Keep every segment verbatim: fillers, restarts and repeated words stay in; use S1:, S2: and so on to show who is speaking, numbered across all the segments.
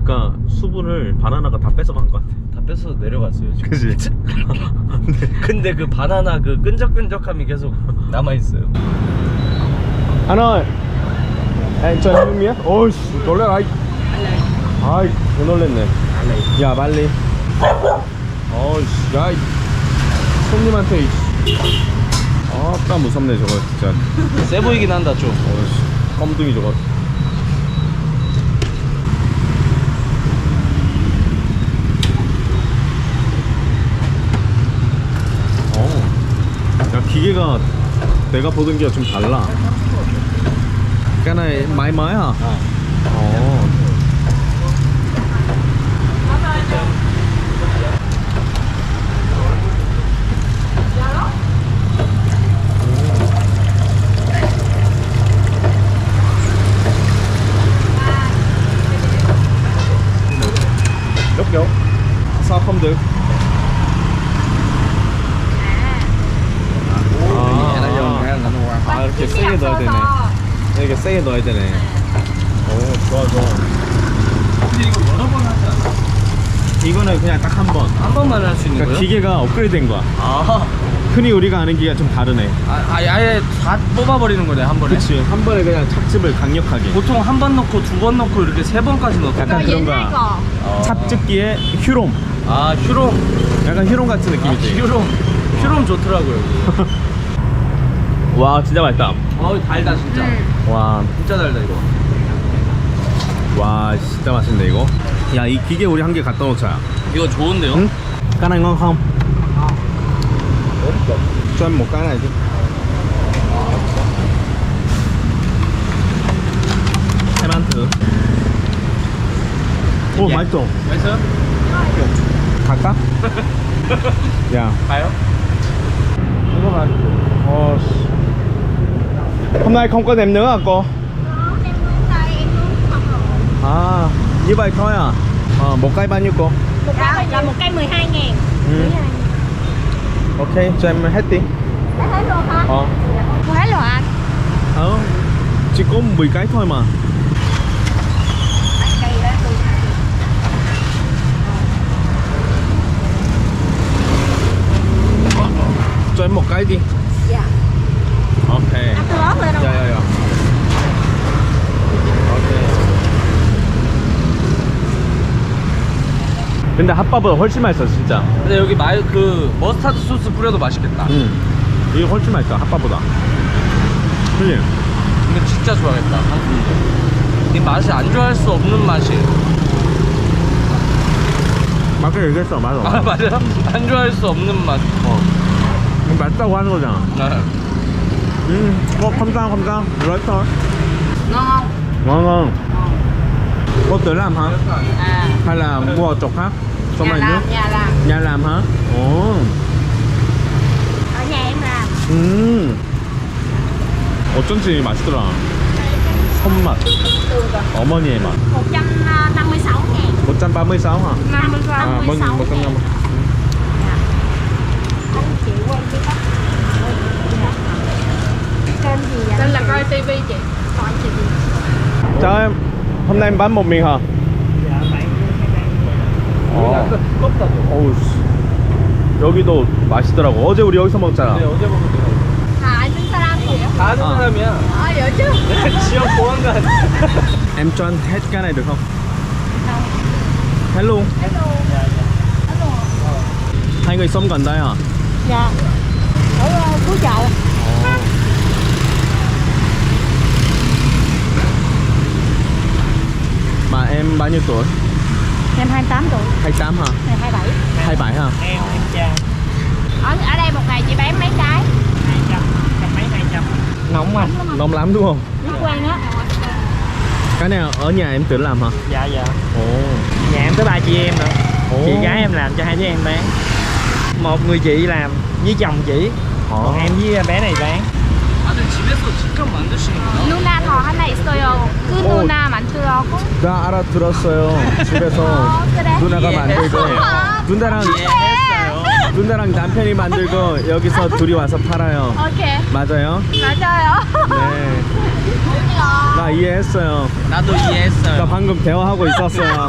S1: 아까 수분을 바나나가 다 뺏어간 것 같아.
S2: 다 뺏어서 내려갔어요 지금.
S1: 그지?
S2: 근데 그 바나나 그 끈적끈적함이 계속 남아있어요.
S1: 하나 에, 저 형님이야? 어이씨 놀래라. 아이 아이 개 놀랬네. 야 빨리. 어이씨 야이 손님한테 이씨. 아따 무섭네 저거 진짜.
S2: 세 보이긴 한다 좀.
S1: 어이씨 껌둥이 저거. 어. 야 기계가 내가 보던 게 좀 달라. cái này máy mới hả? Ồ. Đúc vô. Sao không được? 아, 이렇게 세게 넣어야 되네. 이렇게 세게 넣어야 되네. 오, 좋아, 좋아.
S2: 근데 이거 여러 번 하지 않아?
S1: 이거는 그냥 딱 한 번.
S2: 한 번만 할 수 있는
S1: 그러니까
S2: 거예요?
S1: 기계가 업그레이드 된 거야.
S2: 아,
S1: 흔히 우리가 아는 기계가 좀 다르네.
S2: 아, 아예, 아예 다 뽑아버리는 거네 한 번에?
S1: 그치. 한 번에 그냥 착즙을 강력하게.
S2: 보통 한 번 넣고 두 번 넣고 이렇게 세 번까지 넣고.
S1: 약간 그런 거야. 찹즙기에 휴롬.
S2: 아, 휴롬.
S1: 약간 휴롬 같은 느낌이지.
S2: 아, 휴롬. 휴롬 좋더라고요 여기.
S1: 와, 진짜 맛있다.
S2: 어, 달다 진짜.
S3: 음.
S1: 와,
S2: 진짜 달다 이거.
S1: 와, 진짜 맛있네 이거. 야, 이 기계 우리 한 개 갖다 놓자.
S2: 이거 좋은데요?
S1: 응? cái này ngon không? cho em một cái này chứ. em ăn thử. 오,
S2: 예.
S1: 맛있어.
S2: 맛있어요?
S1: 갈까? 야,
S2: 가요?
S1: 이거 맛있어. 어, 씨. hôm nay không có nem nữa à cô? À, như vậy thôi à? Ờ, một cây bao nhiêu cô?
S3: Một cái là một cây mười hai ngàn.
S1: Ừ. Ok, cho em hết đi.
S3: Đã hết luôn hả?
S1: Ờ.
S3: Mua hết rồi anh.
S1: Ờ, chỉ có mười cái thôi mà.
S3: Cây đó tôi.
S1: Cho em một cái đi.
S3: Dạ.
S1: Ok.
S3: Anh tôi lót lên không?
S1: 야, 야, 야. 오케이. 근데 핫바보다 훨씬 맛있어 진짜.
S2: 근데 여기 말 그 머스타드 소스 뿌려도 맛있겠다.
S1: 응. 이게 훨씬 맛있어 핫바보다. 그치?
S2: 이거 진짜 좋아하겠다. 이 맛이 안 좋아할 수 없는 맛이.
S1: 맞게 얘기했어. 맞아.
S2: 아 맞아요? 안 좋아할 수 없는 맛.
S1: 어. 이거 맛있다고 하는 거잖아.
S2: 네.
S1: 음, 어, 감상, 감상. 맛있어.
S3: Ngon không?
S1: Ngon ngon. Cô tự làm hả?
S3: À.
S1: Hay là mua ở chỗ khác? Xong
S3: Nhà
S1: rồi
S3: làm,
S1: nước?
S3: nhà làm.
S1: Nhà làm hả? Ồ.
S3: Ở nhà em làm.
S1: 음. 어쩐지 맛있더라. 손맛. 어머니의 맛.
S3: một trăm năm mươi sáu ngàn.
S1: một trăm ba mươi sáu hả?
S3: năm mươi sáu
S1: À, một
S3: ngàn.
S1: một trăm năm mươi.
S3: Anh chị quay cái tóc. Kênh gì vậy? Kênh là coi tivi chị. Coi chị gì?
S1: Chào em. Hôm nay em bán một mình hả?
S2: Dạ, bạn
S1: 어.
S2: 두껍다.
S1: 어우 씨. 여기도 맛있더라고. 어제 우리 여기서 먹잖아.
S2: 네, 어제 먹은 거.
S3: À, anh đứng sao chị?
S2: 다 아는
S1: 아.
S2: 사람이야.
S3: Ờ, vậy chứ.
S2: 지역 보안관.
S1: Em cho anh hết cái này được không? Hết luôn.
S3: Hết luôn. Hết luôn.
S1: Hai người sống gần đây à?
S3: Dạ. Ở uh, Phú Chậu.
S1: Mà em bao nhiêu tuổi?
S3: Em hai mươi tám tuổi.
S1: hai mươi tám hả?
S3: Này hai mươi bảy.
S1: hai mươi bảy hả?
S2: Em em cha.
S3: Ở ở đây một ngày chị bán mấy cái?
S2: hai trăm, trăm mấy hai trăm. Nóng mà.
S1: Nóng lắm đúng không?
S3: Nước quen á.
S1: Cái này ở nhà em tự làm hả?
S2: Dạ dạ.
S1: Ồ.
S2: Nhà em tới ba chị em nữa.
S1: Ồ.
S2: Chị gái em làm cho hai đứa em bán. Một người chị làm với chồng chị.
S1: Ồ.
S2: Còn em với bé này bán. 아, 근데 집에서 직접 만드시는 거예요?
S3: 누나 더 하나 있어요. 그
S1: 오.
S3: 누나 만들라고?
S1: 나 알아들었어요. 집에서
S3: 어, 그래?
S1: 누나가
S2: 예.
S1: 만들고 누나랑
S2: 했어요.
S1: 누나랑 남편이 만들고 여기서 둘이 와서 팔아요.
S3: 오케이.
S1: 맞아요?
S3: 맞아요.
S1: 네. 나 이해했어. 이해했어요.
S2: 나도
S1: 나
S2: 이해했어요.
S1: 방금 대화하고 있었어요.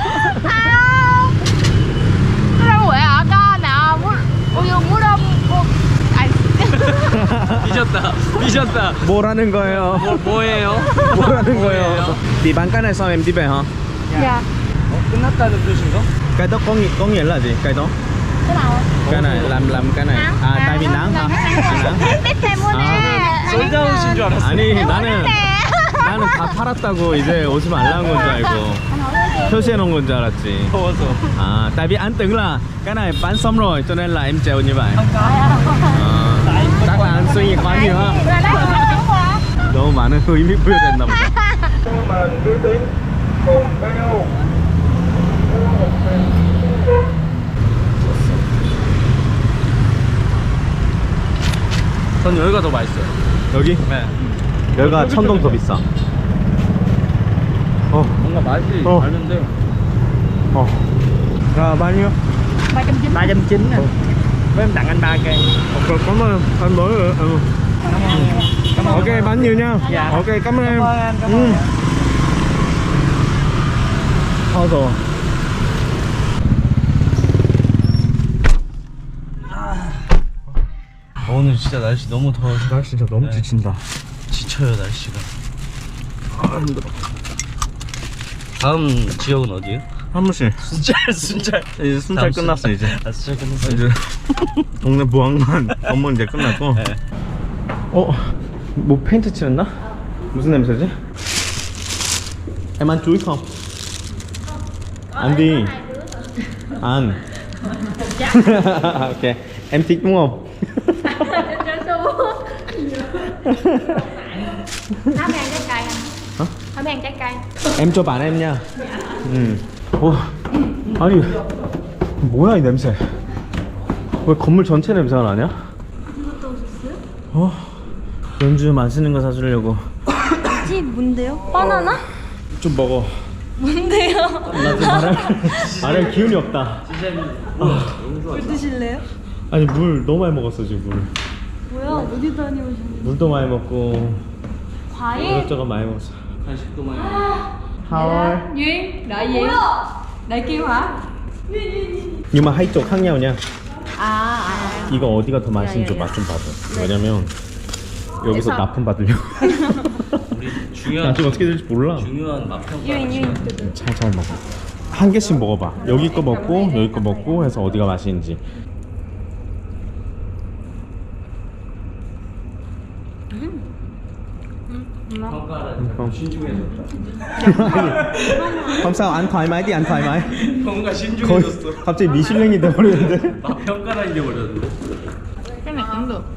S3: Đâu vậy hả con nào muốn ui muốn đâu cô ai
S2: 삐졌다. 삐졌다.
S1: 뭐라는 거예요?
S2: 뭐, 뭐예요?
S1: 뭐라는 거예요?
S2: 뭐예요?
S1: Đi bán cái này sao em đi về hả?
S3: dạ
S2: 어, 끝났다는 뜻인가?
S1: Cái đó có nghĩa, có nghĩa là gì? Cái đó?
S3: cái nào
S1: Cái này làm làm cái này. À tại vì nắng hả? À, nắng.
S3: biết thêm muốn
S1: 아.
S3: nè
S2: 솔다 오신 줄 알았어.
S1: 아니 나는 나는 다 팔았다고 이제 오지 말라는 건 줄 알고 표시해 놓은 건 줄 알았지.
S2: 더워서.
S1: À tại vì anh tưởng là cái này bán xong rồi cho nên là em treo như vậy. À, chắc là anh suy nghĩ quá nhiều ha.
S3: là đó đúng quá
S1: 너무 많은 의미 부여됐나 보다.
S2: 전 여기가 더 맛있어요.
S1: 여기?
S2: 네.
S1: 여기가 천동 더 비싸. 어,
S2: 뭔가 맛이
S1: 어.
S2: 다른데.
S1: 어. 야, 많이요?
S3: ba trăm chín
S2: ba trăm chín nè. Với em tặng anh ba cây.
S1: Ok, cảm ơn anh mới rồi. Ừ. Ok, bán nhiều nha.
S2: Dạ.
S1: Ok, cảm ơn em.
S2: Cảm ơn anh, cảm
S1: Ừ.
S2: ơn.
S1: Thôi rồi.
S2: 어, 오늘 진짜 날씨 너무 더워서
S1: 날 진짜 너무
S2: 네.
S1: 지친다.
S2: 지쳐요 날씨가.
S1: 아, 힘들어.
S2: 다음 지역은 어디예요?
S1: 한 번씩.
S2: 순찰 순찰.
S1: 이제 순찰
S2: 다음
S1: 끝났어,
S2: 순-
S1: 이제.
S2: 아 순찰 끝났어요.
S1: 이제 동네 보안관 업무 이제 끝났고.
S2: 네.
S1: 어? 뭐 페인트 칠했나? 무슨 냄새지? Em ăn chuối không? Ăn đi. Ăn. Ok. Em thích đúng không?
S3: Nó ăn trái cây anh
S1: Hả?
S3: Nó ăn trái cây
S1: Em cho bạn em nha. 음. 어. 아니 뭐야 이 냄새? 왜 건물 전체 냄새가 나냐? 어. 연주 맛있는 거 사주려고.
S4: 지 뭔데요? 바나나?
S1: 좀 먹어.
S4: 뭔데요?
S1: 나 지금 말할 말할 기운이 없다.
S4: 물 드실래요?
S1: 아니 물 너무 많이 먹었어 지금 물.
S4: 뭐야? 어디 다녀오셨는데?
S1: 물도 많이 먹고
S4: 과일?
S1: 이것저것 많이 먹었어.
S2: 간식도 많이.
S1: Thôi.
S4: Duyên, đợi gì? Đợi kêu hả?
S1: Nhưng mà hai 쪽 khác nhau nha.
S4: À, à.
S1: 이거 어디가 더 맛있는지
S4: 야, 야, 야.
S1: 맛 좀 봐줘. 왜냐면 여기서 납품 받으려고.
S2: 우리 중요한
S1: 나중에 어떻게 될지 몰라.
S2: 중요한 맛평가.
S4: 유인, 유인.
S1: 잘 먹어. 한 개씩 먹어봐. 여기 거 먹고 여기 거 먹고 해서 어디가 맛있는지.
S2: 평가를
S1: không.
S2: 신중해졌다.
S1: Không sao, ăn thoải mái đi, ăn thoải mái.
S2: 뭔가
S1: 거의
S2: 신중해졌어.
S1: 갑자기 미슐랭이 돼버리는데.
S2: 맛평가라는 게 버렸는데.
S3: cái này cũng được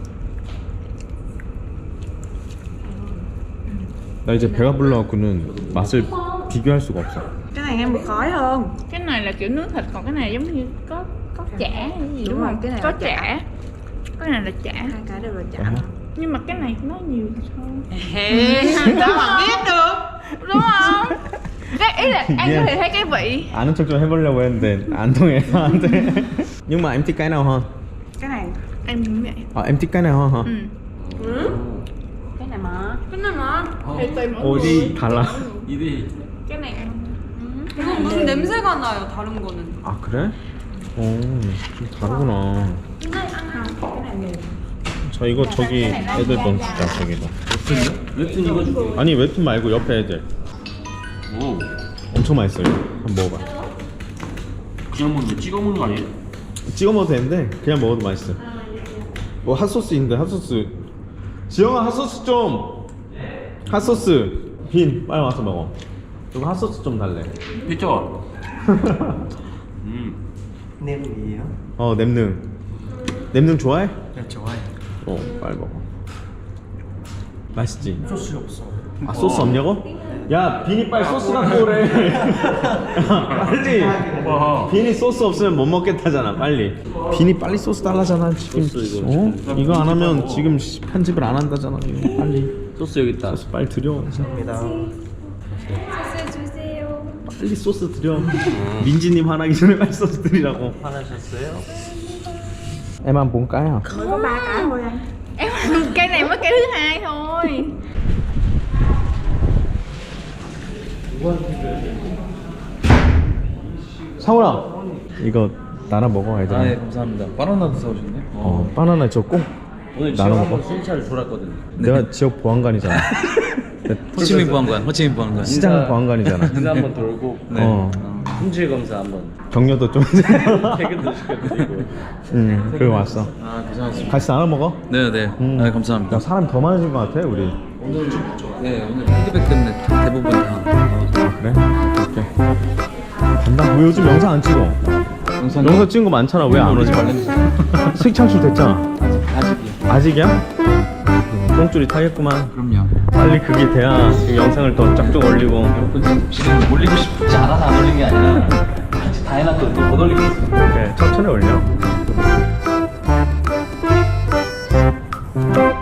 S1: 나 이제 배가 불러갖고는 맛을 비교할 수가 없어.
S4: Cái này em bị khói hơn.
S3: cái này là kiểu nướng thịt còn cái này giống như có có chả hay gì
S4: Đúng
S3: đúng
S4: rồi,
S3: không
S4: cái này
S3: có
S4: là chả.
S3: chả cái này là chả
S4: Hai cái đều là chả.
S1: Ờ.
S3: nhưng mà cái này nó nhiều hơn
S4: Sao mà biết được?
S3: đúng không cái ý là ăn
S1: Yeah.
S3: có thể thấy cái vị
S1: 아는 척 좀 해보려고 했는데 안 통해. 안 돼. Nhưng mà em thích cái nào hơn?
S4: Cái này.
S3: em cũng vậy
S1: À, em thích cái nào hơn hả?
S3: ừ.
S4: Cái này mà.
S3: cái này mà thì tùy mỗi người
S1: 어디 달라?
S2: 입이
S3: cái này ăn
S4: 이건 무슨 냄새가 나요, 다른 거는.
S1: 아 그래? 어, 좀 다르구나. 자 이거 저기 애들 넌 주자 저기도.
S2: 웹툰 이거 줄게.
S1: 아니 웹툰 말고 옆에 애들.
S2: 오.
S1: 엄청 맛있어요. 한번 먹어봐.
S2: 그냥 먹는 거 찍어 먹는 거 아니에요?
S1: 찍어 먹어도 되는데 그냥 먹어도 맛있어. 뭐 핫소스 있는데 핫소스. 지영아 핫소스 좀. 핫소스. 빈 빨리 와서 먹어. 이거 핫소스 좀 달래.
S2: 그쵸? 음. 냄이에요?
S1: 어 냄능. 냄능 좋아해?
S2: 네 좋아요.
S1: 어 빨리 먹어. 맛있지?
S2: 소스 없어.
S1: 아 소스 없냐고? 야 빈이 빨리 소스 갖고 오래. 빨리.
S2: 와.
S1: 빈이 소스 없으면 못 먹겠다잖아 빨리. 빈이 빨리 소스 달라잖아 지금.
S2: 소스 이거
S1: 어? 이거 안 하면 지금 시- 편집을 안 한다잖아 이거. 빨리
S2: 소스 여기 있다.
S1: 소스 빨리 드려. 빨리 소스 드려. 민지님 화나기 전에 빨리 소스 드리라고.
S2: 화나셨어요?
S1: Em ăn bốn cái hả?
S4: Có ba cái thôi anh.
S3: em ăn cây này mới cây thứ hai thôi
S1: 상훈아 이거 나눠 먹어 애들.
S2: 아, 예, 감사합니다. 바나나도 사오셨네.
S1: 어 바나나 저 꼭
S2: 오늘
S1: 나눠
S2: 지금
S1: 먹어.
S2: 한번 순찰 돌았거든요.
S1: 내가 지역 보안관이잖아.
S5: 호치민 보안관, 호치민 보안관.
S1: 시장 보안관이잖아.
S2: 인사 한번 돌고
S5: 네.
S1: 어
S2: 품질 검사 한번
S1: 격려도 좀.
S2: 퇴근도 시켜드리고.
S1: 응 그리고 왔어.
S5: 아, 고생하셨습니다.
S1: 같이 나눠 먹어.
S5: 네, 네.
S1: 음.
S5: 아, 감사합니다.
S1: 야 사람 더 많아진 것 같아 우리.
S5: 오늘 좀 네, 오늘 피드백 때문에 대부분 다
S1: 아 그래? 오케이. 간다. 왜 요즘 영상 안 찍어?
S5: 영상
S1: 영상 찍은 거 많잖아. 왜 안 오지? 수익 창출 됐잖아.
S5: 아직이요.
S1: 아직이야? 음, 똥줄이 타겠구만.
S5: 그럼요.
S1: 빨리 그게 돼야 지금 영상을 더 쫙쫙 올리고.
S5: 지금 올리고 싶지 않아서 안 올린 게 아니라 같이 다 해놨거든. 또못 올리고 있어.
S1: 그래, 천천히 올려.